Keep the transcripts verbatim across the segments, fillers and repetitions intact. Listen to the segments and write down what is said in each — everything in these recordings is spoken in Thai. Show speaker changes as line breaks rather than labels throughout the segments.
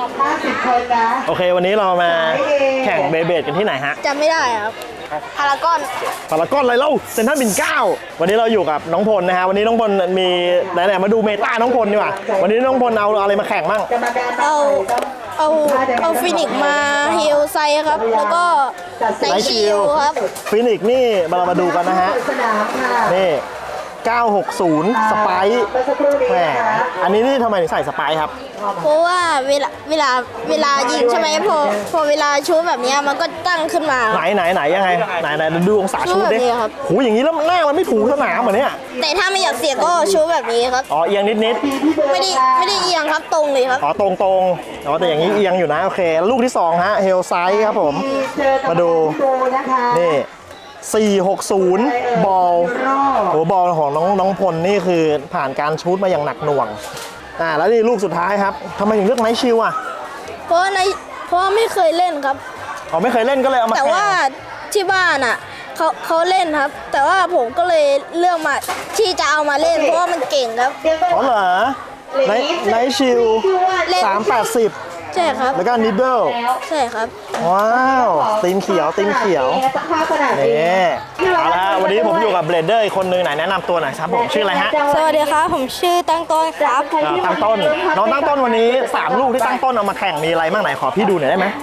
ห้าสิบคนนะ
โอเควันนี้เรามาแข่งเบเบดกันที่ไหนฮะ
จำไม่ได้ครับพารากอน
พารากอนอะไรเล่าเซ็นทรัลปิ่นเกล้าวันนี้เราอยู่กับน้องพลนะฮะวันนี้น้องพลมีไหนๆมาดูเมตาน้องพลดีกว่าวันนี้น้องพลเอาอะไรมาแข่งบ้าง
เอาเอาเอาฟินิกมาฮิลไซครับแล้วก็ไนชิลครับ
ฟินิกนี่เรามาดูกันนะฮะนี่เก้าหกศูนย์สไปซ์แหมอันนี้นี่ทำไมถึงใส่สไปซ์ครับ
เพราะว่าเวลาเวลาเวลายิงใช่ไหมพอพอเวลาชูแบบนี้มันก็ตั้งขึ้นมา
ไหนไหนไหนยังไงไหนไหนดูองศาชูดิโหอย่างนี้แล้วหน้ามันไม่ถูสนามเหมือนเนี้ย
แต่ถ้าไม่อยากเสี่ยงก็ชูแบบนี้ครับ
อ๋อเอียงนิดนิด
ไม่ได้ไม่ได้เอียงครับตรงเลยครับ
อ๋อตรงตรงอ๋อแต่อย่างนี้เอียงอยู่นะโอเคลูกที่สองฮะเฮลไซส์ครับผมมาดูนี่สี่หกศูนย์บอลโอ้บอลของน้องน้องพลนี่คือผ่านการชูตมาอย่างหนักหน่วงอ่าแล้วนี่ลูกสุดท้ายครับทำไมถึงเลือกไนท์ชิลอ่ะ
เพราะในเพราะไม่เคยเล่นครับ
อ๋อไม่เคยเล่นก็เลยเอามา
แต่ว่าที่บ้านอ่ะเขาเขาเล่นครับแต่ว่าผมก็เลยเลือกมาที่จะเอามาเล่นเพราะว่ามันเก่งครับ
อ๋อเหรอไนไนท์ชิลสามแปดสิบ
ใช่ครับ
แล้วก็นิดเดิล
ใช่ครับ
ว้าวตีนเขียวตีนเขียวนี่เอาละวันนี้ผมอยู่กับเบลเดอร์อีกคนนึงไหนแนะนำตัวหน่อยครับผมชื่ออะไรฮะ
สวัสดีครับผมชื่อตั้งต้นครับ
ตั้งต้นน้องตั้งต้นวันนี้สามลูกที่ตั้งต้นเอามาแข่งมีอะไรบ้างไหนขอพี่ดูหน่อยได้ไหม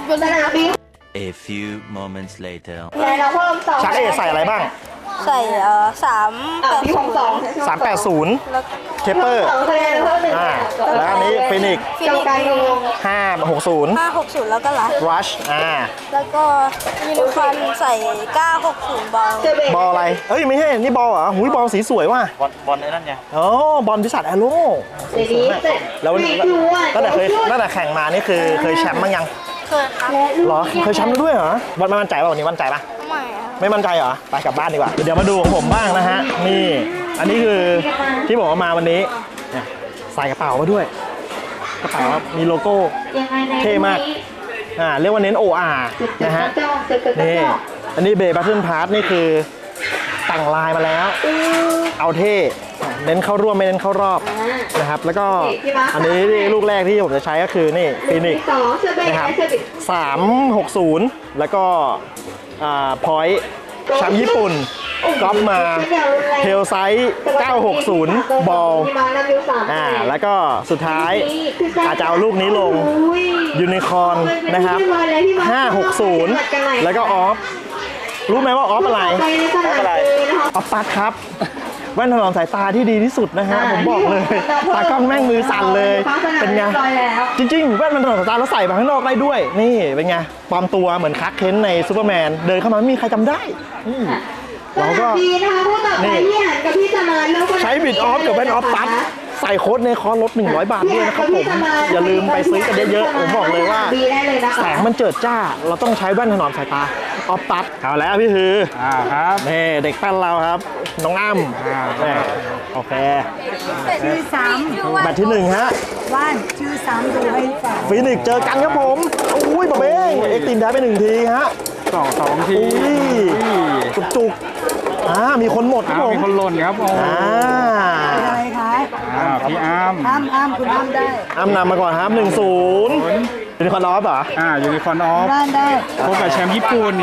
A few moments later
ชักเอใส่อะไรบ้าง
ใส่เอ่อสามแปดศูนย์
สามแปดศูนย์เคปเปอร์อ่าแล้วอันนี้ฟินิกห้าหกศูนย์
ห้าหกศูนย์แล้วก็รัช
รัชอ่า
แล้วก็ยูนิคอร์นใส่เก้าหกศูนย์บอล
บอลอะไรเอ้ยไม่ใช่นี่บอลเหรอหุยบอลสีสวยว่ะ
บอลบอลไอ้นั่นไง
อ๋อบอลพิศาจแอโร่แล้วตั้งแต่เคยตั้งแต่แข่งมานี่คือเคยแชมป์มั้งยัง
เคยครับ
หรอเคยแชมป์ด้วยเหรอวันมั่นใจป่ะวันนี้มั่นใจป่ะ
ไม่
ไม่มั่นใจเหรอไปกลับบ้านดีกว่าเดี๋ยวมาดูของผมบ้างนะฮะนี่อันนี้คือที่ผมเอามาวันนี้ใส่กระเป๋ามาด้วยกระเป๋ามีโลโก้เท่มากอ่าเรียกว่าเน้น โอ อาร์ นะฮะนี่อันนี้เบย์บัตเทิลพาร์ทนี่คือแต่งลายมาแล้วเอาเท่เน้นเข้าร่วมไม่เน้นเข้ารอบนะครับแล้วก็อันนี้ลูกแรกที่ผมจะใช้ก็คือนี่ฟินิกนะครับสามหกศูนย์แล้วก็พอยต์แชมป์ญี่ปุ่นก๊อปมาเทลไซส์เก้าหกศูนย์บอลอ่าแล้วก็สุดท้ายอาจจะเอาลูกนี้ลงยูนิคอร์นนะครับห้าหกศูนย์แล้วก็ออฟรู้ไหมว่าออฟอะไรออฟอะไรออฟปัดครับแว่นถนอมสายตาที่ดีที่สุดนะฮะผมบอกเลยตากล้องแม่งมือสั่นเลยเป็นไงจริงๆแว่นมันถนอมสายตาแล้วใส่มาข้างนอกได้ด้วยนี่เป็นไงปลอมตัวเหมือนคักเคนในซูเปอร์แมนเดินเข้ามาไม่มีใครจำได้เราก็นี่ใช้บิดออฟกับแว่นออฟปั๊บใส่โค้ดในคอร์สลดหนึ่งร้อยบาทด้วยนะครับผมอย่าลืมไปซื้อกันเยอะๆผมบอกเลยว่าแสงมันเจิดจ้าเราต้องใช้แว่นถนอมสายตาออฟปั๊บเอาแล้วพี่ฮืออ่าครับนี่เด็กแป้นเราครับน้องอ้ำโอเค
ชื่อสาม
แมตช์ที่หนึ่งฮะ
ว่านชื่อสามดูให้ฟัง
ฟินิกเจอกันครับผมอุ้ยบะเบ้งเอ็กตินได้ไปหนึ่งทีฮะ
สองสองที
จุกจุกอ่ามีคนหมดครับผม
มีคนหล่นครับโอ้
อ่า
อะไรคะ
อ่าพี่อ้ำ
อ้ำอ้ำคุณอ้ำได้
อ้ำนำมาก่อนครับหนึ่งศูนย์ยูนิคอร์นออฟเหรอ
อ่ายูนิคอร์นออฟ
บ้านได้
พบกับแชมป์ญี่ปุ่น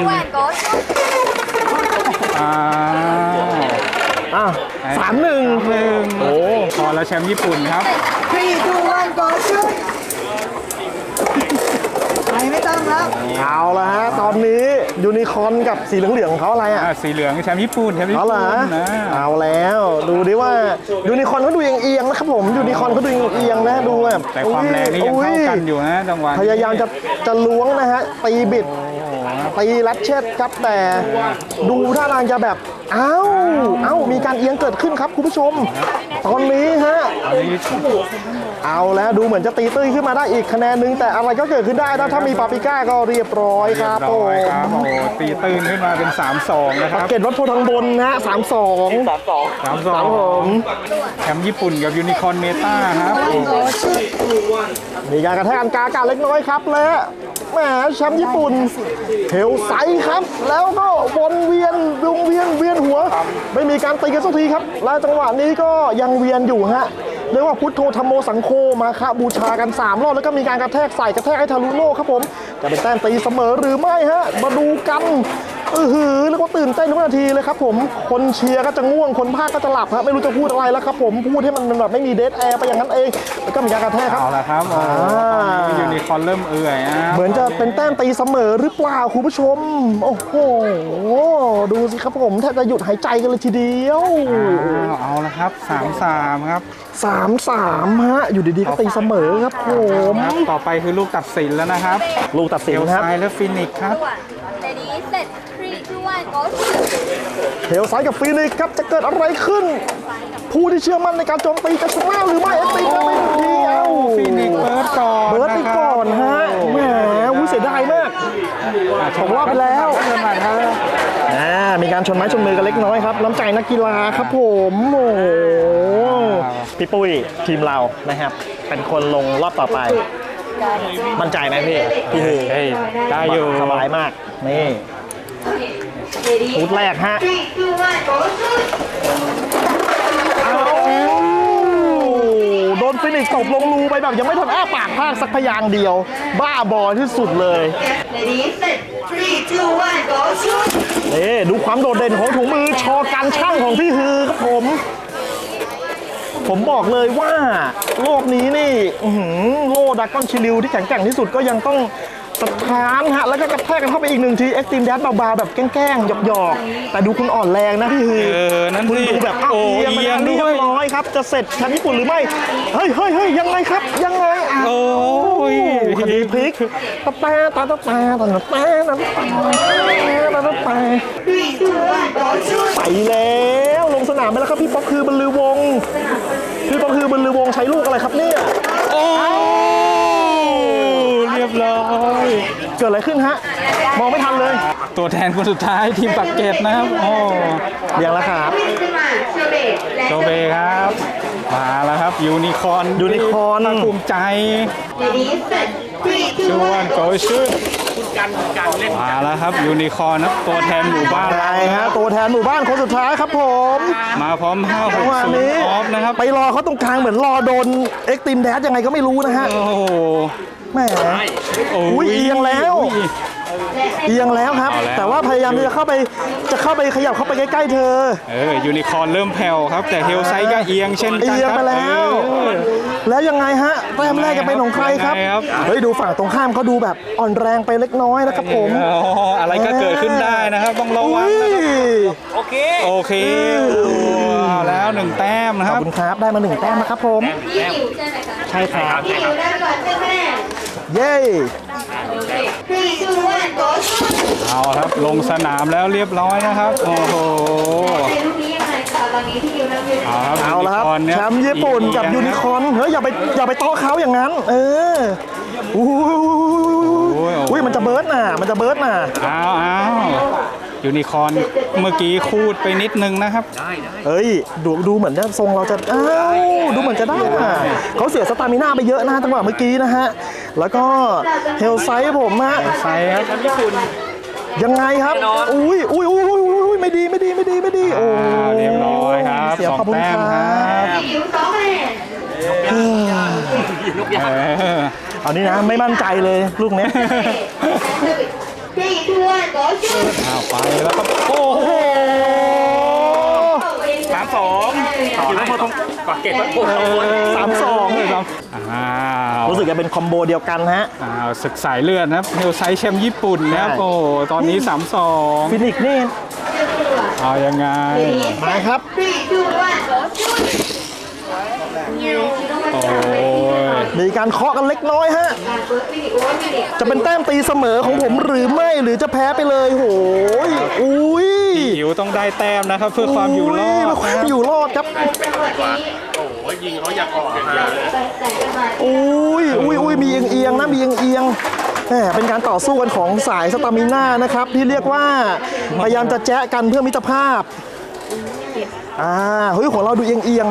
อ่า
อ่ะสามหนึ่ง
หนึ่ง
โอ้
พอแล้วแชมป์ญี่ปุ่นครับ
three two one go shoot ไม่ต้องครับ
เอาละฮะตอนนี้ยูนิคอร์นกับสีเหลืองๆของเขาอะไรอ่ะ
สีเหลืองแชมป์ญี่ปุ่นแชมป์ญี่ปุ่น
นะเอาแล้วดูดิว่ายูนิคอร์นเขาดูเอียงๆนะครับผมยูนิคอร์นเขาดูเอียงๆนะดูแบบ
แต่ความแรงนี่ยังเท่ากันอยู่นะจังหวะ
พยายามจะจะล้วงนะฮะตีบิดตีลัดเช็ดครับแต่ดูท่าทางจะแบบเอ้าเอ้ามีการเอียงเกิดขึ้นครับคุณผู้ชมตอนนี้ฮะเอาแล้วดูเหมือนจะตีตื้นขึ้นมาได้อีกคะแนนนึงแต่อะไรก็เกิดขึ้นได้นะถ้ามีปาปิก้าก็เรียบร้อยครับโอ้
โหตีตื้นขึ้นมาเป็น สามสอง นะครับ
เกตวัดโพทางบนนะฮะสามสองสามสอง
สามสองผมแชมป์ญี่ปุ่นกับยูนิคอร์นเมตาครับ
มีการกระแทกอันกาการเล็กน้อยครับและแหมแชมป์ญี่ปุ่นเทลไซส์ครับแล้วก็วนเวียนวงเวียนเวียนหัวไม่มีการตีกันสักทีครับและจังหวะนี้ก็ยังเวียนอยู่ฮะเรียกว่าพุทโธธรรมโมสังโฆมาคะบูชากันสามรอบแล้วก็มีการกระแทกใส่กระแทกให้ทะลุโลกครับผมจะเป็นแต้มตีเสมอหรือไม่ฮะมาดูกันเออหือแล้วก็ตื่นเต้นทุกนาทีเลยครับผมคนเชียร์ก็จะง่วงคนภาคก็จะหลับฮะไม่รู้จะพูดอะไรแล้วครับผมพูดให้มันแบบไม่มีเดดแอร์ไปอย่างนั้นเองแล้วก็มีการกระแทกครับ
เอาละครับโอ้โหตอนนี้ยูนิคอร์นเริ่มเอื่อยนะ
เหมือนจะเป็นแต้มตีเสมอหรือเปล่าคุณผู้ชมโอ้โหดูสิครับผมแทบจะหยุดหายใจกันเลยทีเดียว
อ้าวเอาละครับสามสามครับ
สามสามฮะอยู่ดีๆก็ตีเสมอครับผม
ครับต่อไปคือลูกตัดสินแล้วนะครับ
ลูกตัดสิ
เอน ล
ครับ
ไซและฟินิกส์ครับ
Ready set three two one go
เฮลไซด์กับฟีนิกซ์ครับจะเกิดอะไรขึ้น ผู้ที่เชื่อมั่นในการโจมตีจะชนะหรือไม่เอ็กซ์ตีจะไม่เดียว
ฟินิกส์เบิร์ดก่อน
เบิร์ดไปก่อนฮะแหมอุ้ยเสียดายมากตกรอบไปแล้ว
เริ่มใหม่ครับ
อ่ามีการชนไม้ชนมือกันเล็กน้อยครับน้ำใจนักกีฬาครับผมโอ้โหพี่ปุ้ยทีมเรานะครับเป็นคนลงรอบต่อไป มั่นใจไหมพี่พี่ฮือ
เฮ้ยได้อยู่
สบายมากนี่ชุดแรกฮะเอาโดนฟินิกซ์ตบลงรูไปแบบยังไม่ทันอ้าปากพากสักพยางค์เดียว บ้าบอที่สุดเลย
Ready set three two one go shoot
นี่ดูความโดดเด่นของถุงมือชอการช่างของพี่ฮือครับผม ผมบอกเลยว่าโลกนี้นี่อื้อหือโล่ดากอนชิลิวที่แข็งแกร่งที่สุดก็ยังต้องสะท้านฮะแล้วก็กระแทกกันเข้าไปอีกหนึ่งทีเอ็กซ์ตรีมแดดเบาๆแบบแกล้งๆหยอกๆแต่ดูคุณอ่อนแรงนะพี่ฮือ
เออนั่น
คุณ
สิ
ดูแบบอ้าว
โอ้
เอียงไป
เอีย
ทาง ง
ด้
นี้
วย
เรียบร้อยครับจะเสร็จแชมป์ญี่ปุ่นหรือไม่เฮ้ยเฮ้ยเฮ้ยยังไงครับยังไงอ่ะ
โอ้ย
คดีพลิกตะแปะตะตะแปะตะตะแปะตะตะแปะตะตะแปะ
three two one go shoot
ไปแล้วลงสนามไปแล้วครับพี่ป๊อกคือบรรลือวงศ์พี่ป๊อกคือบรรลือวงศ์ใช้ลูกอะไรครับเนี่ย
โอ้เรียบร้อย
เกิดอะไรขึ้นฮะมองไม่ทันเลย
ตัวแทนคนสุดท้ายทีมปักเกร็ดนะครับโอ้
เรียงแล้วครับ
ขึ้นมาเชอร์เบตและ
โจเบครับมาแล้วครับยูนิคอร์น
ยูนิคอร์น
ภาคภูมิใจ
Ready set three
ช
two
ว
one
นโกชุดมาแล้วครับยูนิคอร์นครับตัวแทนหมู่บ้าน
ใช่ฮะตัวแทนหมู่บ้านคนสุดท้ายครับผม
มาพร้อมห้าห
จั
ก
งหวะ
ศูน
นี้
ย์ออฟนะครับ
ไปรอเขาตรงกลางเหมือนรอโดนเอ็กซ์ตรีมแดดยังไงก็ไม่รู้นะฮะ
โอ้โห
แหม
โอ้
อุ้ยเอียงแล้ว เอียงแล้วครับ
เอาแล้ว
แต่ว่าพยายามที่จะเข้าไปจะเข้าไปขยับเข้าไปใกล้ๆเธอ
เออยูนิคอร์นเริ่มแผ่วครับ แต่เฮลไซด์ก็เอียงเช่นกัน
เอียง
ครับ
ไปแล้ว
เออ
แล้วยังไงฮะแต้มแรกจะเป็นของใครครับ
ยังไงครับ
เฮ้ยดูฝั่งตรงข้ามเขาดูแบบอ่อนแรงไปเล็กน้อยนะครับผม
อ๋ออะไรก็เกิดขึ้นได้นะครับต้องระวัง
อุ้ย
นะครับโอเคโอเคโอ้เอาแล้วหนึ่งแต้มนะ
ข
ค
อบ
รับ
คุณครับได้มาหนึ่งแต้มนะครับผม
พี่อิ๋วใช่ไหมคะ
ใช่ครับ
พี่อิ๋วได้ก่อนเพื่อนแม่
เย้
three two one go shoot
เอาครับลงสนามแล้วเรียบร้อยนะครับโอ้โห
ในลูกนี้ยังไงคะตอนนี้พี่อิ๋วนั่งอยู่
เอาครับ
เอาละครับ
ยูนิคอร์นเนี่ย
แชมป์ญี่ปุ่นกับยูนิคอร์นเฮ้ยอย่าไปอย่าไปโต๊ะเขาอย่างนั้น เอออุ้ยอุ้ยมันจะเบิร์ดน่ะมันจะเบิร์ดน่ะ
อ้าวอ้าวยูนิคอร์นเมื่อกี้คูดไปนิดนึงนะครับ
เอ้ยดูดูเหมือนจะทรงเราจะอ้าวดูเหมือนจะได้น่ะเขาเสียสตามิน่าไปเยอะนะจังหวะเมื่อกี้นะฮะแล้วก็เฮลไซด์ผมฮะ
ไซครับ
ยังไงครับ อุ้ยอุ้ยอุ้ยอุ้ยอุ้ยไม่ดีไม่ดีไม่ดีไม่ดี โอ้
อ่าเรียบร้อยครับ
เสีย
สอง
ขอบคุณ
แต้
ค
ม
รั
ครับ
บ
พี่อิ๋วสองคะแนน
เออ
เอานี่นะไม่มั่นใจเลยลูกเนี้ย
three two one go shoot
อ้าวไปแล้วครับโอ้โห
สามสอง
ถือว่าพอต้องกอดเก็บแล้วโอ้โห
สามสอง
อ้าว
รู้สึกจะเป็นคอมโบเดียวกันฮะ
อ้าวศึกสายเลือดนะครับเฮลไซด์แชมป์ญี่ปุ่นนะครับ
ใช่
โอ้ตอนนี้สามสอง
ฟินิกซ์นี่
เอายังไง
มาครับ
three two one go shoot
โอ้ย
มีการเคาะกันเล็กน้อยฮะ
การเบิร์ดฟินิกโอ้ยฟินิก
จะเป็นแต้มตีเสมอของผมหรือไม่หรือจะแพ้ไปเลยโหยอุ้ย
หิวต้องได้แต้มนะครับ เพื่อความอยู่รอด
เพื่อความอยู่รอดครับ
จังหวะนี้โอ้ยยิงเขาอยากออกอย่างเดียวแต่จังหวะ
อุ้ยอุ้ยอุ้ยมีเอียงเอียงๆนะมีเอียงเอียงๆแหมเป็นการต่อสู้กันของสายสตามิน่านะครับ ที่เรียกว่าพยายามจะแจ๊ะกันเพื่อมิตรภาพอ่าเฮ้ยของเราดูเอียงเอียงๆนะ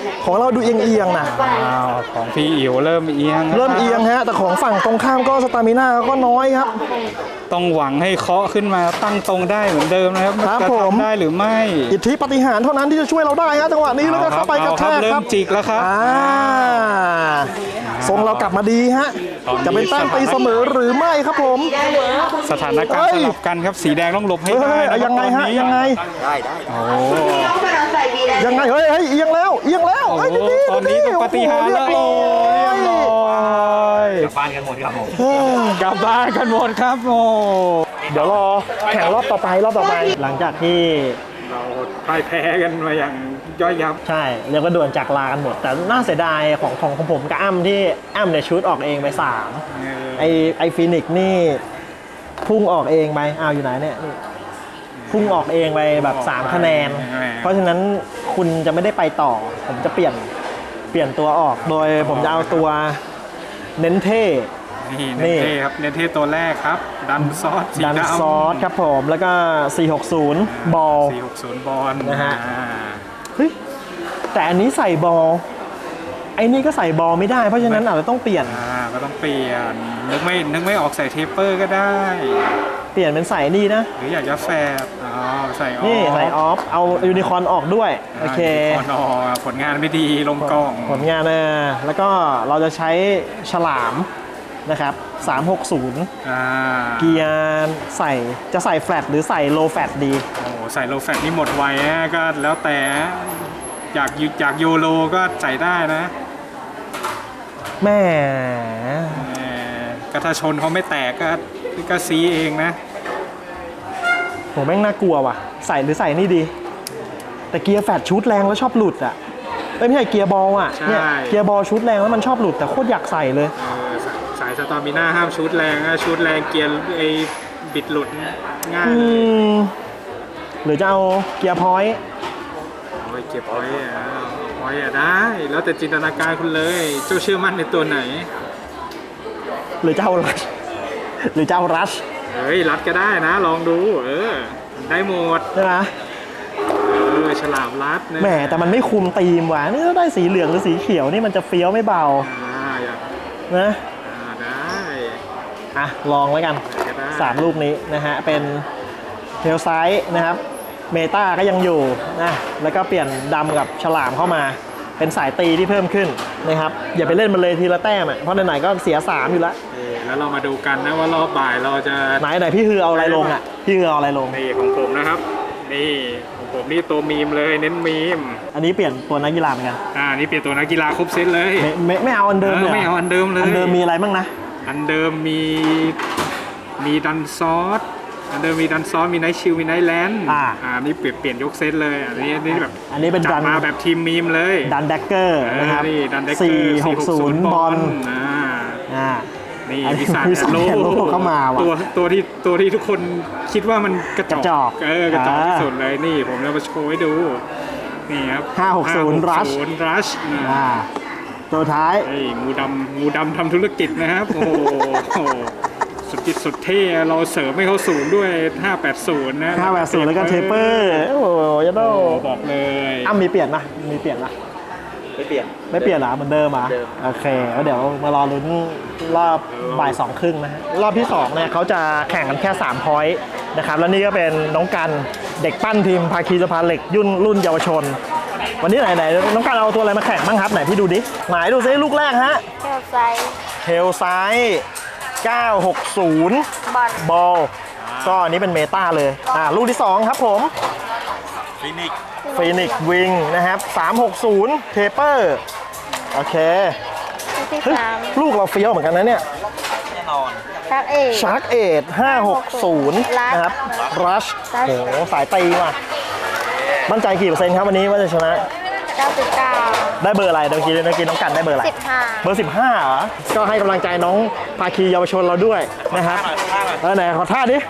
ของเราดูเอียงๆนะ
อ้าวของพี่อิ๋วเริ่มเอียงแล้ว
เริ่มเอียงฮะแต่ของฝั่งตรงข้ามก็สตามิน่าก็น้อยครับ
ต้องหวังให้เคาะขึ้นมาตั้งตรงได้เหมือนเดิมนะครับ
ครับ
จะ
ผม
ทำได้หรือไม่
อิทธิปาฏิหาริย์เท่านั้นที่จะช่วยเราได้ฮะจังหวะนี้แล้วก็เข้าไปกระแทก
เริ่
ครั
ม
บ
จิกแล้วครับ
อ่าทรงเรากลับมาดีฮะจะเป็นแต้มตีเสมอหรือไม่ครับผม
สถานการ
เฮ้
ณ์
ย
สลับกันครับสีแดงต้องหลบให้
เฮ้ย
ได้
เฮ้ย
นะครับ
ยังไงฮะ
ตอนนี้
ยังไง
โอ้
ยังไงเฮ้ยเฮ้ยเอียงแล้วเอียงแล้ว
โห
เฮ้ยดีๆ
ตอนนี้ต้องปฏิหารย์แล้ว
โอ้โหเรียบร้อย
กลับบ้านกันหมดครับผมกลับบ้านกันหมดครับโอ้
เดี๋ยวรอแข่งรอบต่อไปรอบต่อไป หลังจากที่
เราพ่ายแพ้กันมาอย่างย่อยยับ
ใช่เรียกว่าด่วนจากลากันหมด แต่น่าเสียดายของของของผมกับอ้ำที่อ้ำเนี่ยชุดออกเองไปสามไอไอฟินิกซ์นี่พุ่งออกเองไปอ้าวอยู่ไหนเนี่ยนี่พุ่งออกเองไปแบบสามคะแนน เพราะฉะนั้นคุณจะไม่ได้ไปต่อ ผมจะเปลี่ยนเปลี่ยนตัวออกโดยผมจะเอาตัวเน้นเท่
นี่
นี่
เนเท่ครับเนเท่ตัวแรกครับ ดันซอสสี
ดัน
ดำ
ซอสครับผมแล้วก็ สี่หกศูนย์ บอล
สี่หกศูนย์บอล
นะฮะ
อ่า
เฮ้ยแต่อันนี้ใส่บอลไอ้นี่ก็ใส่บอลไม่ได้เพราะฉะนั้นอาจจะต้องเปลี่ยน
อ่าก็ต้องเปลี่ยนนึกไม่นึกไม่ออกใส่เทปเปอร์ก็ได้
เปลี่ยนเป็นใส่นี่นะ
หรืออยากจะแฟบอ๋อใส่ออฟ
นี่ใส่ออฟเอายูนิคอร์นออกด้วยโอเค
คอนอผลงานไม่ดีลงกล้อง
ผลงานเออแล้วก็เราจะใช้ฉลามนะครับสามหกศูนย์
อ่า
เกียร์ใส่จะใส่แฟลตหรือใส่โลแฟลตดี
โอ้โหใส่โลแฟตนี่หมดไวนะก็แล้วแต่อยากยูอยากโยโลก็ใส่ได้นะ
แม่
เอ่อก็ถ้าชนเขาไม่แตกก็ก็ซีเองนะ
โหแม่งน่ากลัวว่ะใส่หรือใส่นี่ดี แต่เกียร์แฟลตชุดแรงแล้วชอบหลุดอ่ะไม่ใช่เกียร์บอลอ่ะเนี่ยเกียร์บอลชุดแรงแล้วมันชอบหลุดแต่โคตรอยากใส่เลย
เออสายสายสตอมิน่าห้ามชุดแรงนะชุดแรงเกียร์ไอ้บิดหลุดง่าย
อื
เลย
มหรือจะเอาเกียร์พอยต์
โอ้ยเก็บพอยต์อ่ะพอยต์อ่ะได้ แล้วแต่จินตนาการคุณเลยเจ้าเชื่อมั่นในตัวไหน
หรือจะเอารัชหรือจะเอารัช
เฮ้ยรัดก็ได้นะ ลองดู เออ ได้หมด
ใช่ไหม
เออฉลามรัดนะ
แหมแต่มันไม่คุมธีมว่ะนี่ถ้าได้สีเหลืองหรือสีเขียวนี่มันจะเฟี้ยวไม่เบา
อ่าอยาก
นะ
อ่าได้
อ่ะลองไว้กัน
ก็ได้
สามลูกนี้นะฮะเป็นเทลไซส์นะครับเมตาก็ยังอยู่นะแล้วก็เปลี่ยนดำกับฉลามเข้ามาเป็นสายตีที่เพิ่มขึ้นนะครับอย่าไปเล่นมันเลยทีละแต้มอ่ะเพราะไหนๆก็เสียสามอยู่แล้ว
เออแล้วเรามาดูกันนะว่ารอบบ่ายเราจะ
ไหนไหนพี่คือเอาอะไรลงอ่ะพี่คือเอาอะไรลง
นี่ของผมนะครับ นี่ของผมนี่ตัวมีมเลยเน้นมีม
อันนี้เปลี่ยนตัวนักกีฬาเหมือนกัน
อ่านี่เปลี่ยนตัวนักกีฬาครบเซตเลย
ไม่ไม่ไม่เอาอันเดิมเลยหร
ไม่เอาอันเดิมเลย
อันเดิมมีอะไรบ้างนะ
อันเดิมมีมีดันซอสอันเดิมมีดันซอสมีไนท์ชิลมีไนท์แลนด์
อ่า
อ่านี่เปลี่ยนเปลี่ยนยกเซตเลยอันนี้อันนี้แบบ
อันนี้เป็น
จั
ดั
ด
น
มาแบบทีมมีมเลย
ดันแดกเกอร์นะครับ
เออนี่ดันเด็กเกอ
สี่
ร์
หกศูนย์บอล
อ่า
อ่า
นี่
อันนี้
วิสา
วิสา
โล
แอนโลเข้ามาว่ะ
ตัวตัวที่ตัวที่ทุกคนคิดว่ามันกระจอก
กระจอก
เออกระจอก
อ่า
ที่สุดเลยนี่ผมจะมาโชว์ให้ดูนี่ครับ
ห้าหกศูนย์ Rush
รัช
อ่าตัวท้าย
ไอ้งูดำงูดำทำธุรกิจนะครับ โอ้โหโอ้โหสุดจิตสุดเท่เราเสริมให้เขาสูงด้วย ห้าแปดศูนย์ นะ
ห้าแปดศูนย์แล้วก็เทปเปอร์ โอ้โหยันโด
โอ้บอกเลย
อ้ำมีเปลี่ยนนะมีเปลี่ยนนะ
ไม่เปลี่ยน
ไม่เปลี่ยนเหรอเหมือนเดิมเหรอ่ะ
เดิม
โอเคแล้วเดี๋ยวมารอลุ้นรอบบ่ายสองครึ่งนะฮะรอบที่สองเนี่ยเขาจะแข่งกันแค่สามพอยต์นะครับแล้วนี่ก็เป็นน้องกันเด็กปั้นทีมภาคีสะพานเหล็กยุ่นรุ่นเยาวชน วันนี้ไหนไหนน้องกันเอาตัวอะไรมาแข่งบ้างครับไหนพี่ดูดิไหนดูซิลูกแรกฮะ
เทลไซส์
เทลไซส์เก้าหกศูนย์
บอล
บอลก็อันนี้เป็นเมตาเลยอ่าลูกที่สองครับผม
ฟินิก
ฟีนิกวิงนะครับสามหกศูนย์เทเปอร์โอเค
ลูกที่
เฮ้ย
สาม
ลูกเราเฟี้ยวเหมือนกันนะเนี่ย
แน่นอน
ชักเอก
ชาร์กเอทห้าหกศูนย์นะครับรัชโอ้โหสายตีว่ะมั่นใจกี่เปอร์เซ็นต์ครับวันนี้ว่าจะชนะ
เก้าสิบเก้า
ได้เบอร์อะไรเมื่อกี้เมื่อกี้น้องกันได้เบอร์อะไร
สิบห้า
เบอร์สิบห้าเหรอก็ให้กำลังใจน้องภาคีเยาวชนเราด้วยนะครับเออไหนขอท่าดิ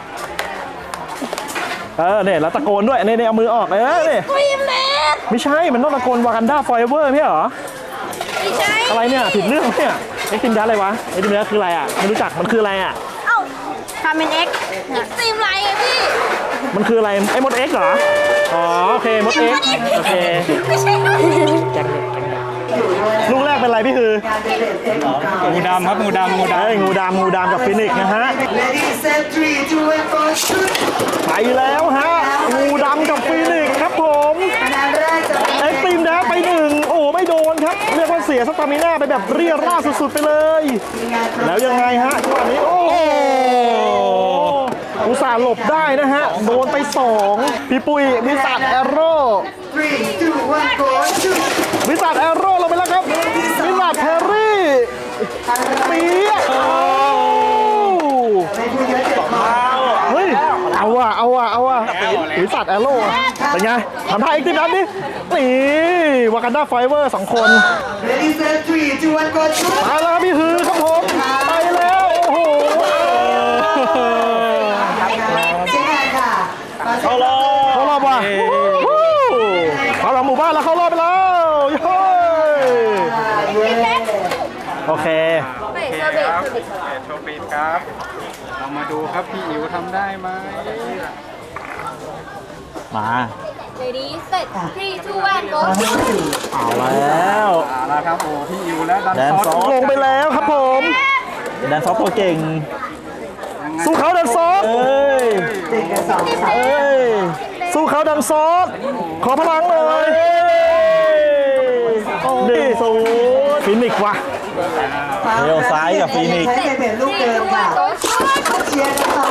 เออเนี่ยแล้วตะโกนด้วยนี่นี่เอามือออกเออนี่
ฟิล์มเลส
ไม่ใช่มันต้องตะโกนวากันดาฟอยเวอร์ไม่ใช่เหรอ
ไม่ใช่
อะไรเนี่ยผิดเรื่องเนี่ยเอ็กซ์ติมยัสอะไรวะเอ็กซ์ติมยัสคืออะไรอ่ะไม่รู้จักมันคืออะไรอ่ะ
เอ้าทำเป็นเอ็กซ์ฟิล์มไลท์ไงพี่
มันคืออะไรไอ้มดเอ็กซ์เหรออ๋อโอเคมดเอ็กซ์โอเค
ไม่ใช่
แจ็คเด็กลูกแรกเป็นไรพี่คือ
งูดำครับงูดำงูด
เอ้ยงูดำงูดำกับฟินิกซ์นะฮะ
Ladies and three, two, and four, shoot.
ไปแล้วฮะงูดำกับฟินิกซ์ครับผม
คะแนนแรกจาก
เอ็กซ์ตรีมแดนไปหนึ่งโอ้ไม่โดนครับ เรียกว่าเสียสตามิน่าไปแบบเรียราดสุดๆไปเลย แล้วยังไงฮะจังหวะนี้โอ้โหอุตส่าห์หลบได้นะฮะ โดนไปสองพี่ปุ้ยวิสัทแอโร่
three, two, one, go, shoot.
วิสัทแอโร่ลงไปแล้วครับวิสัทแพรรี่เปี๊ยะโอ้
ไม่พูดเยอะเจ็บคอ
เฮ้ยเอาว่ะเอาว่ะเอาว่ะวิสัทแอโร่อะเป็นไงทำท่าเอ็กซ์ตรีมแดนดินี่วากันดาไฟเวอร์สองคน
Ladies and three, two, one, go, shoot.
มาแล้วครับพี่ฮือครับผมไปแล้วโอ้โห
เช็คแอนค่ะเข้ารอบ
เข้ารอบว่ะเข้ารอบหมู่บ้านแล้วเข้ารอบไปแล้วเย้โอเค
เบรกเบรก
ำโชว์ปีดครับ เรามาดูครับพี่อิ๋วทำได้ไหม
มา
Ready set three two one go
เอาแล้ว
เอาละครับโอ้พี่อิ๋วและดัน
แดน
ซ
ซ
อ
อ
ส
ฟลงไปแล้วครับผมแดนซอฟตัวเก่งสู้เขาแดนซอฟเอ้ย
เด็กกันสองสาม
เอ้ยสู้เขาแดนซอฟขอพลังหน่อยหนึ่งศูนย์ฟินิกซ์ว่ะ เลี้ยวซ้ายกับฟีนิกซ์
ใช้เป็นลูกเดิมค่ะ
go shoot
เชียร์กันต่อ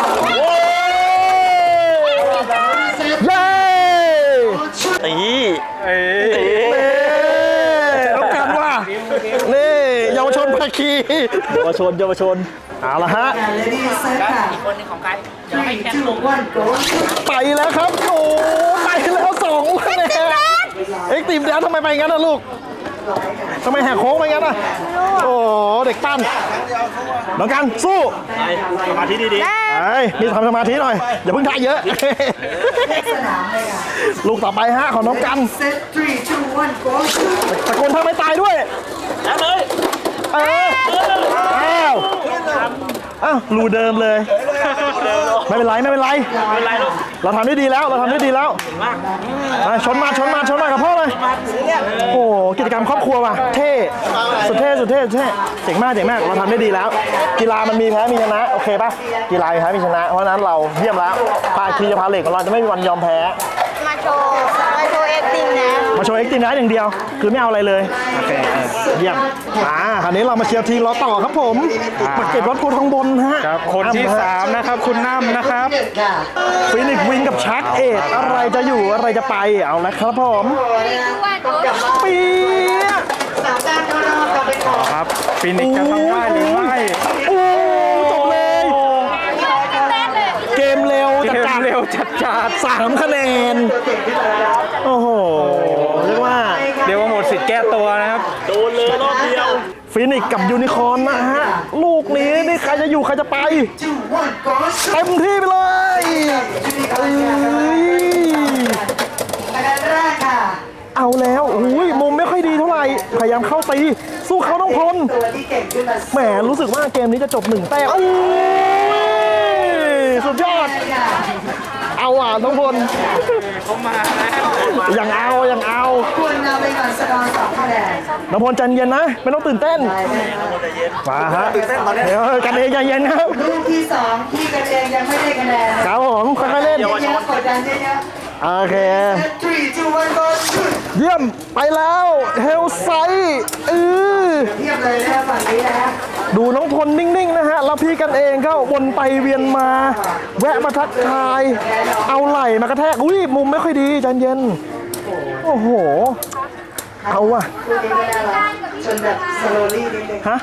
เย้ตี
เอ้ย
เอ้ต้องกันว่านี่เยาวชนภาคีเยาวชนเยาวชนเอาละฮะ
เลดี้เซตค่ะอีกคนนึงของใคร three, two, one, go.
ไปแล้วครับโอ้ไปแล้วสองคะแนนเอ็กซ์ตรีมแดนทำไมไปงั้นนะลูกทำไมแหกโค้งไปงั้นอ่ะโอ้เด็กปั้นน้องกันสู้สมาธิดีๆไอ้มีทำสมาธิหน่อยอย่าเพิ่งท่าเยอะ
สนามเลยค่ะ
ลูกต่อไปฮะของน้องกัน
set three, two, one, go. shoot.
ตะโกนท่าไม่ตายด้วยแล้วเลยเอออ้าวอ้าวรูเดิมเลย ไม่เป็นไรไม่เป็นไรไม่เป็นไรลูกเราทำได้ดีแล้วเราทำได้ดีแล้วมาชนมาชนมาชนมากับพ่อเลยโอ้โหกิจกรรมครอบครัวว่ะเท่สุดเท่สุดเท่สุดเท่เจ๋งมากเจ๋งมากเราทำได้ดีแล้ว กีฬามันมีแพ้มีชนะโอเคป่ะกีฬามีแพ้มีชนะเพราะฉะนั้นเราเยี่ยมแล้วภาคีพาเหล็กของเราจะไม่มีวันยอมแพ้
มาโชว์มาโชว์เอ็กซ์ตรีมนะ
มาโชว์เอ็กซ์ตรีมนะอย่างเดียวคือไม่เอาอะไรเลยโอเคเยี่ยมอ่าคราวนี้เรามาเชียร์ทีมเราต่อครับผมมาเก็บรถโพทองบนฮะ
ครับคนที่สามนะครับคุณน้ำนะครับ
หนึ่งค่ะ
ฟินิกซ์วิงกับชาร์กเอทอะไรจะอยู่อะไรจะไปเอาละครับผม
two one go
ปี๊ยะ
สามการเข้ารอบจะเป็นของ
ครับฟินิกซ์จะทำได้หรือไม่
โอ้จบเลย เกมเร็ว
เก
จัด
ม
จัด
เร็วจัดจัด
สามคะแนน โอ้โหเรียกว่า
เดี๋ยวว่าหมดสิทธิ์แก้ตัวนะครับ
ฟินิกซ์กับยูนิคอร์นนะฮะ ลูกนี้นี่ใครจะอยู่ใครจะไป
two, one, go. shoot.
เต็มที่ไปเลยเอ้ย
คะแนนแรกค่ะ
เอาแล้วอุ้ยมุมไม่ค่อยดีเท่าไหร่ พยายามเข้าตี สู้เขาต้องพล
ตัวที่เก่งขึ้นมา
แหมรู้สึกว่าเกมนี้จะจบหนึ่งแต้มอุ้ยสุดยอด
ค่ะ
เอาอ่ะน้องพล
เขามาแล้ว
ยังเอายังเอา
คุณนำไปก่อนสกอร์สองคะแนน
น้องพลใจเย็นนะ ไม่ต้องตื่นเต้น มาฮะเดี๋ยวกันเองใจเย็นครับ
ลูกที่สองที่กันเองยังไม่ได้คะแนน
ครับผมค่อยๆเล่น
เยอะๆกดดันเยอะ
โอเค
ๆ three, two, one, go. shoot.
เยี่ยมไปแล้วเฮลไซด์เออ
เทียบเลยนะครับฝั่งนี้นะฮะ
ดูน้องพลนิ่งๆนะฮะ แล้วพี่กันเองก็วนไปเวียนมา แวะมาทักทาย เอาไหล่มากระแทก อุ้ยมุมไม่ค่อยดีใจเย็น โอ้โห เอาว่ะ
ลูกนี้ก็น่ารักชนแบบสโลลี่นิดนึง
ฮะ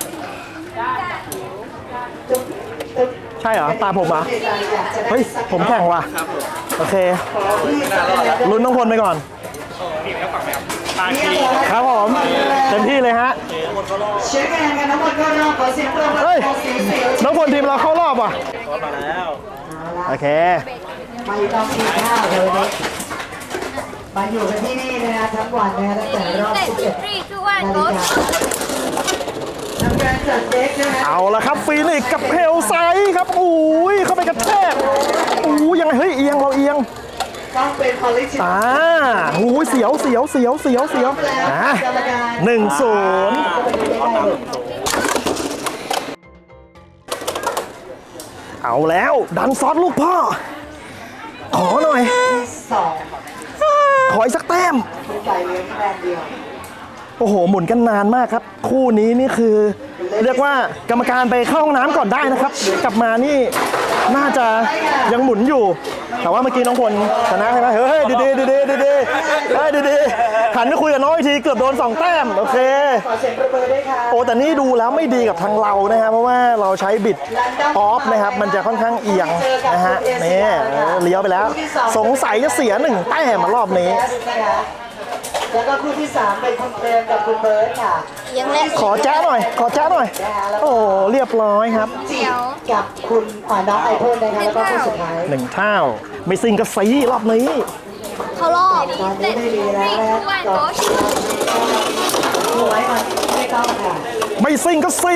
ตึ๊บตึ๊บ
ใช่เหรอ ตาผมเหรอ่ะ
อยากจะได้
เฮ้ย ผมแข่งว่ะ โอเค ลุ้นน้องพลไปก่อน ครับผม เต็มที่เลยฮะ
เช็คคะแนนกันทั้งหมดก็รอบขอเสียงปรบมือ
เฮ้ย
ขอเสียงเสียง
น้องพลทีมเราเข้ารอบว่ะ โอเค
มาอยู่ตอนกินข้าวเลยนะมาอยู่กันที่นี่นะฮะทั้งวันนะฮะตั้งแต่รอบ
set
สิบเอ็ด
three two
นา
one
ฬิ
go
กาทำการจัดเด็กนะฮะ
เอาละครับฟีนิกซ์กับเฮลไซด์ครับอุ้ยเข้าไปกระแทกอู้ยังไงเฮ้ยเอียงเราเอียง
ต้องเป็นเป็นพอลิชิ
อ่าหูยเสียวเสียวเสียวเสียวเสียวอ่ะหนึ่งศูนย์เอาแล้วดันซอสลูกพ่อ ขอหน่อย
สอง
ขออีกสักแต้ม
เป็นฝ่ายเลี้ยงคะแนนเดียว
โอ้โห หมุนกันนานมากครับ คู่นี้นี่คือ เรียกว่ากรรมการไปเข้าห้องน้ำก่อนได้นะครับ กลับมานี่น่าจะยังหมุนอยู่ แต่ว่าเมื่อกี้น้องพลชนะใช่ไหมเฮ้ยดีดีดีดีดีดีเฮ้ยดีดีหันไปคุยกับน้องอีกทีเกือบโดนสองแต้มโอเค
ขอเสียงประเมินด้วยค่ะ
โอ้แต่นี่ดูแล้วไม่ดีกับทางเรานะครับเพราะว่าเราใช้บิดออฟนะครับมันจะค่อนข้างเอียงนะฮะนี่เลี้ยวไปแล้ว สงสัยจะเสียหนึ่งแต้มมารอบนี้
แล้วก็คู่ที่สามเป็นคุณเฟิร์นกับคุณเบิร์ดค่ะ
ยังเล่น
ขอแจ้หน่อย ขอแจ้หน่อย โอ้เรียบร้อยครับ
เดี๋ยว
กับคุณอ่าน้องไอพ่นนะคะแล้วก็คู่สุดท้าย
หนึ่งเท่าไม่ซิงกระสีรอบนี้
เขารอบ
ตอนนี้ไม่ดีแล้วนะก่อนดูไว้ก่อนไม่ต้องค่ะ
ไม่ซิงกระสี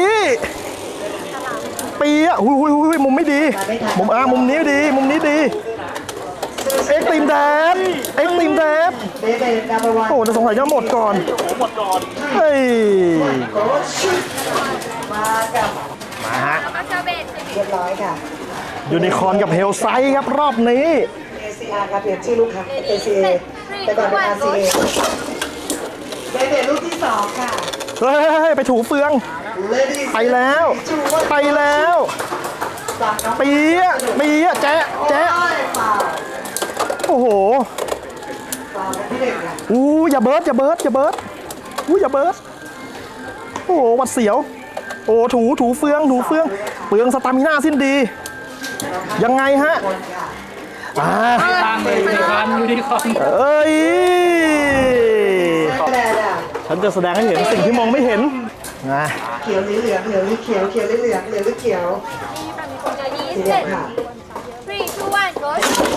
ปีอ่ะหุยหุยหุยมุมไม่ดี มุมอ่ามุมนี้ดี มุมนี้ดี เอ็กซ์ตีมแดดเอ็กซ์ตีมแดด
เบเบนัมเบอร์วัน
โอ้แต่สงสัยจะหมดก่อน
หมดก่อน
เฮ้ย
โค้ชมากับ
มาฮะ
เรียบร้อยค่ะ
ยูนิคอร์นกับเฮลไซด์ครับรอบนี้
เอ ซี อาร์ ครับเปลี่ยนชื่อลูกค้า เอ ซี เอ แต่ก่อนเป็น อาร์ ซี เอ เบเบลูกที่สองค่ะ
เฮ้ย ไปถูเฟือง
Ladies
ไปแล้ว ไปแล้ว
จากน้อง
ปีอ่ะปีอ่ะแจ๊ะแจ๊ะ
โอ้ยฝ่า
โอ้โห
ฝ่าเป็นที่หนึ่งค่ะ
อู้อย่าเบิร์ดอย่าเบิร์ดอย่าเบิร์ดอู้อย่าเบิร์ดโอ้โหหวัดเสียว โอ้ถูถูเฟืองถูเฟืองเปลืองสตามิน่าสิ้นดี ยังไงฮะ
คนค่ะ
อ่า
ตามเลยยูนิคอร์นยูนิคอร์น
เอ้ย
คะแนนอ่ะ
ฉันจะแสดงให้เห็นสิ่งที่มองไม่เห็นนะ
เขียวหรือเหลืองเหลืองหรือเขียวเขียวหรือเหลืองเหลืองหรือเขียวสีเหลืองค่ะ
three two one go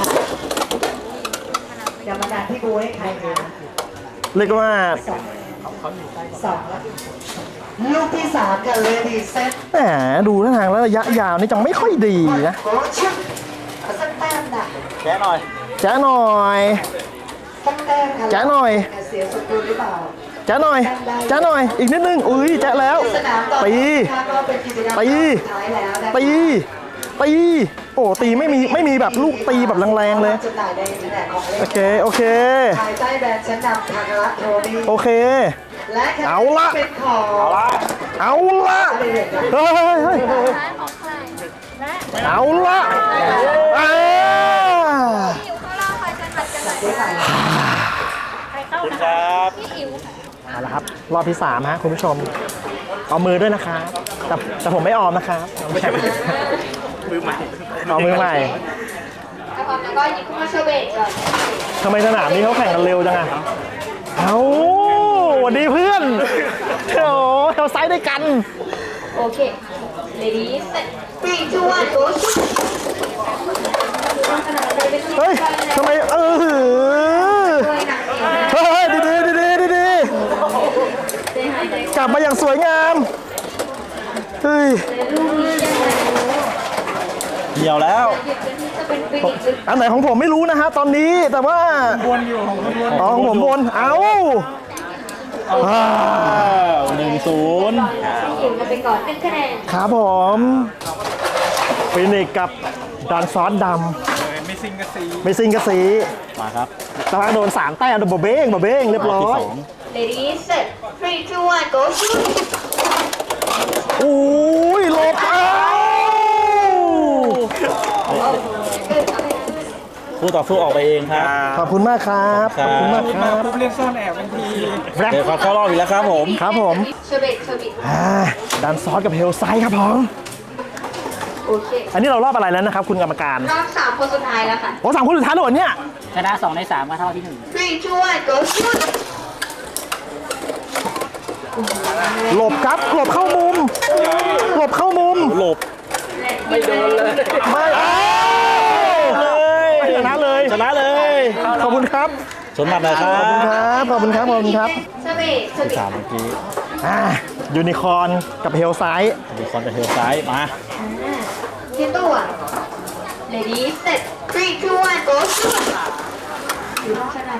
กรรมการที่ดูให้ใครคะ
เรียกว่า
สองแล้วลูกที่สามค่ะ Ladies Set
แหมดูท่าทางแล้วระยะยาวนี่จังไม่ค่อยดีนะ
โอ้ชึบเอาสักแต้มน่ะ
แค่หน่อย
แจ๊ะหน่อย
สักแต้มค่ะ
แจ๊ะหน่อย
เสียสกุลหรือเปล่า
แจ๊ะหน่อยแจ๊ะหน่อย อีกนิดนึง อุ้ยแจ๊ะแล้ว
สนามต่อ
ตี
ค่ะก็เป็นกิจกรรม
ตี
สุดท้ายแล้วนะคะ
ตี ตี โอ้ ตีไม่มี ไม่มีแบบลูกตีแบบแรงๆเลย
จำหน่ายในอินเทอร์เน็ตของเล่น
โอเค โอเค
ภายใต้แบรนด์ชั้นนำทางรัฐโทนี่
โอเค
และแคม
เอาละ
เป็นของ
เอาละเฮ้ยเฮ้ยเอาละอ่า
คุณครับ
เอาละครับ รอบที่สามฮะคุณผู้ชม เอามือด้วยนะครับแต่แต่ผมไม่ออมนะครับไม่ใช่
มือใหม่
เอามือใหม่
แล้วก็หยิบขึ้นมาเชอร์เบตก่อน
ทำไมสนามนี้เขาแข่งกันเร็วจังอะเอาสวัสดีเพื่อนโอ้เราไซด์ด้วยกัน
โอเค ladies set three two one go
เฮ้ยทำไมเออเฮ้ยดีดีดีดีดีดีกลับมาอย่างสวยงามเฮ้ย
เหี่ยวแล้ว
อันไหนของผมไม่รู้นะฮะตอนนี้แต่ว่า
วนอยู่ของคนวน
อ๋อของผมบนเอ้าอ่า
หนึ่งศูนย์
อิ่มกันไปก่อนหนึ่งคะแนน
ครับผมฟินิกกับดันซอสด
ไม่ซิงกะซี
ำไม่ซิงกระสี
มาครับ
ตะวันโดนสามแต้มโดนบะเบ้งบะเบ้งเรียบร้อย
ladies set three two one go shoot
อุ้ยหลบเอ้า
คู่ต่อสู้ออกไปเองครับ
ขอบคุณมากครับขอบคุณมากค
มา
รับ
ปุ๊บเล่นซ่อนแอบทันที
แฟลก
เดี๋ยวเขาเข้ารอบอีกแล้วครับผม
ครับผม
เชอร์เบตเชอร์เบต
อ่าดันซอสกับเฮลไซด์ครับผม
โอเค
อันนี้เรารอบอะไรแล้วนะครับ คุณกรรมการ
รอบสามคนสุดท้ายแล้วค่ะ
โอ้สามคนสุดท้ายแล้วเหรอเนี่ย
ชนะสองในสามก็เท่าที่หนึ่ง
three two one go shoot
หลบครับหลบเข้ามุมหลบเข้ามุม
หลบ
ไม่โดนเลย
ไม่เอ้า
เลย
ชนะเลย
ชนะเลย
ขอบคุณครับ
สมบัตินะครั
ขอบคุณค
บ
รับขอบคุณครับขอบคุณครับ
เชอร์เบตเชอร์เบต
สามเมื่อกี้
อ่ายูนิคอร์นกับเฮลไซด์
ดูคอนกับเทลซ้ายมา
เทียนตัว ladies set three two one go shoot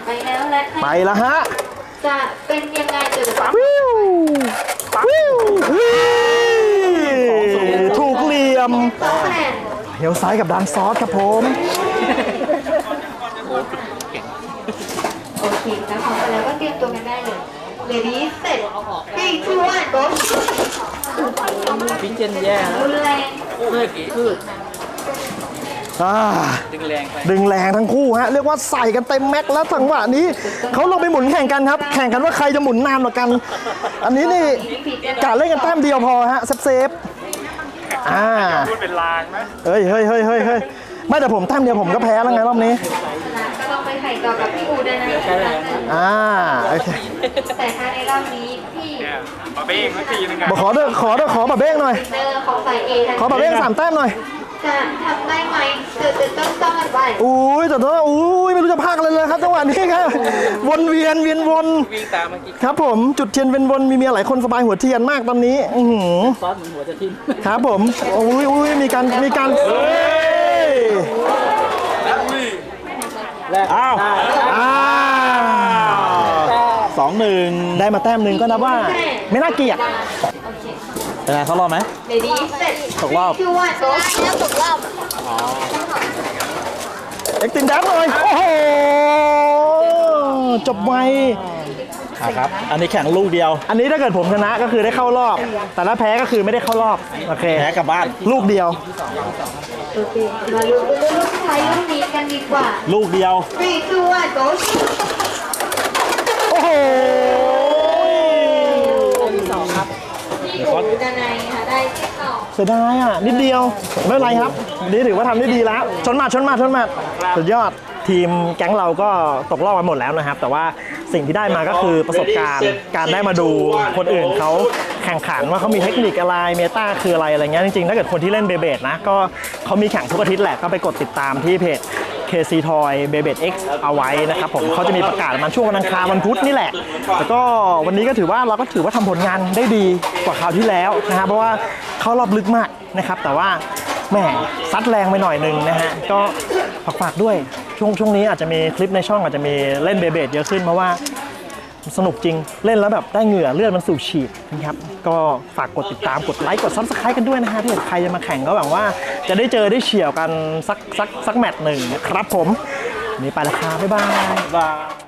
ไปแล้วและ
ไปแล้วฮะ
จะเป็นยังไงเดี๋ยวจะ
วิววิววิวถูกเหลี่ยม
สองคะแนน
เฮลซ้ายกับดันซอสครับผม
โอเคแล้วพร้อมกันแล้วก็เตรียมตัวกันได้เลย Ready set three two one go
พิ้นเจนแย่แล้ว
รุนแรง
พืชพืช
อ่า
ดึงแรงไป
ดึงแรงทั้งคู่ฮะเรียกว่าใส่กันเต็มแม็กซ์แล้วจังหวะนี้เขาลงไปหมุนแข่งกันครับ แข่งกันว่าใครจะหมุนนานกว่ากัน อันนี้นี่กะเล่นกันแต้มเดียวพอฮะเซฟเซฟอ่า
พูดเป็นลางนะ
เฮ้ยเฮ้ยเฮ้ยเฮ้ยเฮ้ยไม่แต่ผมแต้มเดียวผมก็แพ้แล้วไงรอบนี้
ก็ต้องไปไข่ต่อกับพี่อูได้นะ
อ่าโอเค
แต่ถ้าในรอบนี้พี่
เนี่ยมาเบ้งสักทีนึง
บอกขอเด้อขอเด้อขอแบบเบ้งหน่อย
เนอร์ของสายเอทั้ง
ขอแบบเบ้งสามแต้มหน่อย
จะทำได้ไหมเกิดจะต้องต้องกันไป
อุ้ยแต่ว่าอุ้ยไม่รู้จะพากอะไรเลยครับจังหวะนี้ครับวนเวียนเวียนวน
วิ่งตามเมื่อกี้
ครับผมจุดเทียนเป็นวนมีเมียหลายคนสบายหัวเทียนมากตอนนี้อือหือ
ซอสเหมือนหัวจะทิ่ม
ครับผมอุ้ยอุ้ยมีการมีการเฮ้ย
แรก
อ้าว
อ้าว
สองหนึ่ง
ได้มาแต้มหนึ่งก็นับว่าไม่น่าเกลียด
โอเค
เป็นไงเขารอบไหม
Ready set
ตกรอบ
two one go
แล้วตกรอบ
เอ็กตินดับเลยโอ้โหจบไว
อ่ะครับ อันนี้แข่งลูกเดียว
อันนี้ถ้าเกิดผมชนะก็คือได้เข้ารอบ แต่ถ้าแพ้ก็คือไม่ได้เข้ารอบโอเค
แพ้กลับบ้าน
ลูกเดียว
โอเคมาลุ้นลุ้นลุ้นไทยรุ่นนี้กันดีกว่า
ลูกเดียว
three two one go
โอ้โห
พี่อูดานายค่ะได้ที่สอง
เสียดายอ่ะนิดเดียวไม่เป็นไรครับนี่ถือว่าทำได้ดีแล้วชนมาชนมาชนมาสุดยอดทีมแก๊งเราก็ตกรอบกันหมดแล้วนะครับ แต่ว่าสิ่งที่ได้มาก็คือประสบการณ์การได้มาดูคนอื่นเขาแข่งขันว่าเขามีเทคนิคอะไรเมตาคืออะไรอะไรเงี้ยจริงๆถ้าเกิดคนที่เล่นเบเบดนะก็เขามีแข่งทุกอาทิตย์แหละก็ไปกดติดตามที่เพจ เค ซี Toy Beyblade X เอาไว้นะครับผมเขาจะมีประกาศมันช่วงวันอังคารวันพุธนี่แหละแต่ก็วันนี้ก็ถือว่าเราก็ถือว่าทำผลงานได้ดีกว่าคราวที่แล้วนะฮะเพราะว่าเขารอบลึกมากนะครับแต่ว่าแหมซัดแรงไปหน่อยนึงนะฮะก็ฝากๆด้วยช่วงช่วงนี้อาจจะมีคลิปในช่องอาจจะมีเล่นเบเบดเยอะขึ้นเพราะว่าสนุกจริงเล่นแล้วแบบได้เหงื่อเลือดมันสูบฉีดนะครับก็ฝากกดติดตามกดไลค์กดซับสไครต์กันด้วยนะฮะถ้าเกิดใครจะมาแข่งก็หวังว่าจะได้เจอได้เฉี่ยวกันสักสักสักแมตช์หนึ่งนะครับผมนี่ไปและครับบ๊ายบาย
บาย